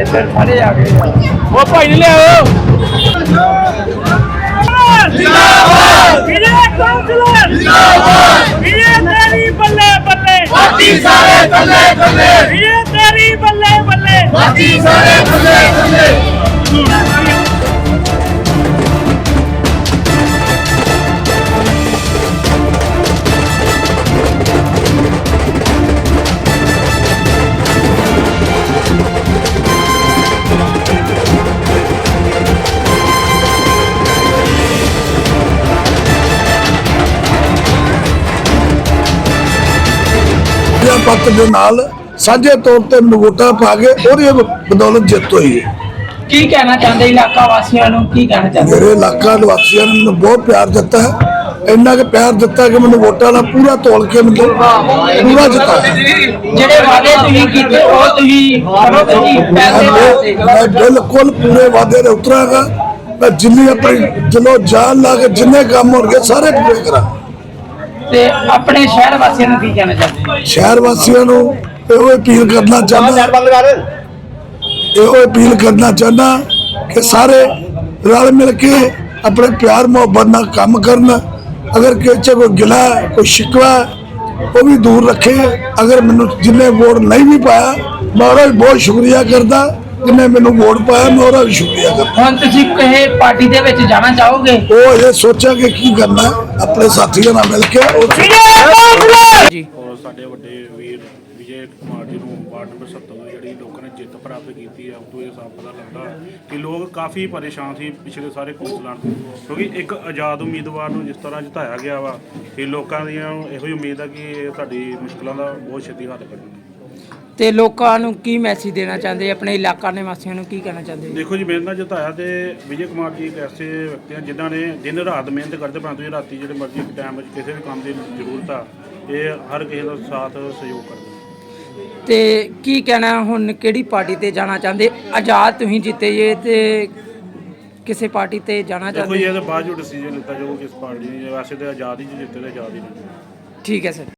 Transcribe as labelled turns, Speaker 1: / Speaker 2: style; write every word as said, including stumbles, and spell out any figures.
Speaker 1: ਇੱਧਰ ਸਾਰੇ ਆ ਗਏ
Speaker 2: ਉਹ ਭਾਈ ਨੇ ਲਿਆਓ
Speaker 1: ਜਿੰਦਾਬਾਦ ਵੀਰੇ ਕਾਉਂਸਲਰ ਜਿੰਦਾਬਾਦ ਵੀਰੇ ਤੇਰੀ ਬੱਲੇ ਬੱਲੇ ਬਾਕੀ ਸਾਰੇ ਬੱਲੇ ਬੱਲੇ ਵੀਰੇ ਤੇਰੀ ਬੱਲੇ ਬੱਲੇ ਬਾਕੀ ਸਾਰੇ ਬੱਲੇ ਬੱਲੇ
Speaker 3: पत्त के नाल साझे तौर पर मैनूं वोटां पा के ਉਹਦੀ बदौलत जित हुई है।
Speaker 1: ਕੀ ਕਹਿਣਾ ਚਾਹੁੰਦੇ ਇਲਾਕਾ ਵਾਸੀਆਂ ਨੂੰ ਕੀ ਕਹਿਣਾ ਚਾਹੁੰਦੇ
Speaker 3: मेरे इलाका निवासियों ने मैनूं बहुत प्यार दिता है इन्ना के प्यार दिता कि मैनूं वोटां नाल पूरा तोल के मतलब पूरा जिताया
Speaker 1: ਜਿਹੜੇ ਵਾਅਦੇ ਤੁਸੀਂ ਕੀਤੇ ਉਹ ਤੁਸੀਂ ਕਰੋ ਤੁਸੀਂ ਪੈਸੇ ਵਾਸਤੇ
Speaker 3: मैं बिल्कुल पूरे वादे दे उतरांगा मैं जिन्नी अपनी दिलों जान ला के जिन्ने काम होणगे सारे पूरे करा
Speaker 1: ਤੇ ਆਪਣੇ ਸ਼ਹਿਰ ਵਾਸੀਆਂ ਨੂੰ ਕੀ ਕਹਿਣਾ ਚਾਹੁੰਦੇ
Speaker 3: शहर वासियों ਨੂੰ ਇਹੋ अपील करना चाहना ਇਹੋ अपील करना चाहना कि सारे रल मिल के अपने प्यार मोहब्बत नाल काम करन अगर किसी कोई गिला कोई शिकवा वो भी दूर रखे अगर मैनू जिन्हें वोट नहीं भी पाया मैं ਉਹਦਾ भी बहुत शुक्रिया करता जिन्हें मैनू वोट पाया मैं ਉਹਦਾ भी शुक्रिया करता
Speaker 1: ਹੁਣ ਤੁਸੀਂ ਕਿਸੇ ਪਾਰਟੀ ਦੇ ਵਿੱਚ ਜਾਣਾ ਚਾਹੋਗੇ
Speaker 3: वो ये सोचा कि की करना अपने साथियों नाल मिल के
Speaker 1: ਜੀ
Speaker 2: ਔਰ ਸਾਡੇ ਵੱਡੇ ਵੀਰ ਵਿਜੇ ਕੁਮਾਰ ਜੀ ਨੂੰ ਵਾਰਡ ਨੰਬਰ ਸੱਤਰ ਤੋਂ ਜਿਹੜੀ ਲੋਕਾਂ ਨੇ ਜਿੱਤ ਪ੍ਰਾਪਤ ਕੀਤੀ ਹੈ ਉਸ ਤੋਂ ਇਹ ਸਾਫ਼ ਪਤਾ ਲੱਗਦਾ ਕਿ ਲੋਕ ਕਾਫੀ ਪਰੇਸ਼ਾਨ ਸੀ ਪਿਛਲੇ ਸਾਰੇ ਕੌਂਸਲਰਾਂ ਤੋਂ ਕਿਉਂਕਿ ਇੱਕ ਆਜ਼ਾਦ ਉਮੀਦਵਾਰ ਨੂੰ ਜਿਸ ਤਰ੍ਹਾਂ ਜਿਤਾਇਆ ਗਿਆ ਵਾ ਕਿ ਲੋਕਾਂ ਦੀਆਂ ਇਹੋ ਹੀ ਉਮੀਦ ਹੈ ਕਿ ਇਹ ਸਾਡੀ ਮੁਸ਼ਕਲਾਂ ਦਾ ਬਹੁਤ ਛੇਤੀ ਹੱਲ ਕਰਨਗੇ।
Speaker 1: ਤੇ ਲੋਕਾਂ ਨੂੰ ਕੀ ਮੈਸੇਜ ਦੇਣਾ ਚਾਹੁੰਦੇ ਆਪਣੇ ਇਲਾਕਾ ਨਿਵਾਸੀਆਂ ਨੂੰ ਕੀ ਕਹਿਣਾ ਚਾਹੁੰਦੇ
Speaker 2: ਦੇਖੋ ਜੀ ਮੇਰੇ ਨਾਲ ਜਿਤਾਇਆ ਤੇ ਵਿਜੇ ਕੁਮਾਰ ਜੀ ਇੱਕ ਐਸੇ ਵਿਅਕਤੀ ਹਨ ਜਿਨ੍ਹਾਂ ਨੇ ਦਿਨ ਰਾਤ ਮਿਹਨਤ ਕਰਦੇ ਪਰੰਤੂ ਇਹ ਰਾਤੀ ਜਿਹੜੇ ਮਰਜ਼ੀ ਟਾਈਮ ਵਿੱਚ ਕਿਸੇ ਵੀ ਕੰਮ ਦੀ ਜ਼ਰੂਰਤ ਆ ਇਹ ਹਰ ਕਿਸੇ ਦਾ ਸਾਥ ਸਹਿਯੋਗ ਕਰਦੇ ਨੇ।
Speaker 1: ਤੇ ਕੀ ਕਹਿਣਾ ਹੁਣ ਕਿਹੜੀ ਪਾਰਟੀ ਤੇ ਜਾਣਾ ਚਾਹੁੰਦੇ ਆਜ਼ਾਦ ਤੁਸੀਂ ਜਿੱਤੇ ਜੇ ਤੇ ਕਿਸੇ ਪਾਰਟੀ ਤੇ ਜਾਣਾ
Speaker 2: ਦੇਖੋ ਜੀ
Speaker 1: ਚਾਹੁੰਦੇ
Speaker 2: ਇਹਦੇ ਬਾਅਦ ਜੋ ਡਿਸੀਜਨ ਲਿੱਤਾ ਜਾਊਗਾ ਕਿਸ ਪਾਰਟੀ ਨੇ ਵੈਸੇ ਤਾਂ ਆਜ਼ਾਦ ਹੀ ਜਿੱਤੇ ਤੇ ਆਜ਼ਾਦ ਹੀ ਨੇ।
Speaker 1: ਠੀਕ ਹੈ ਸਰ।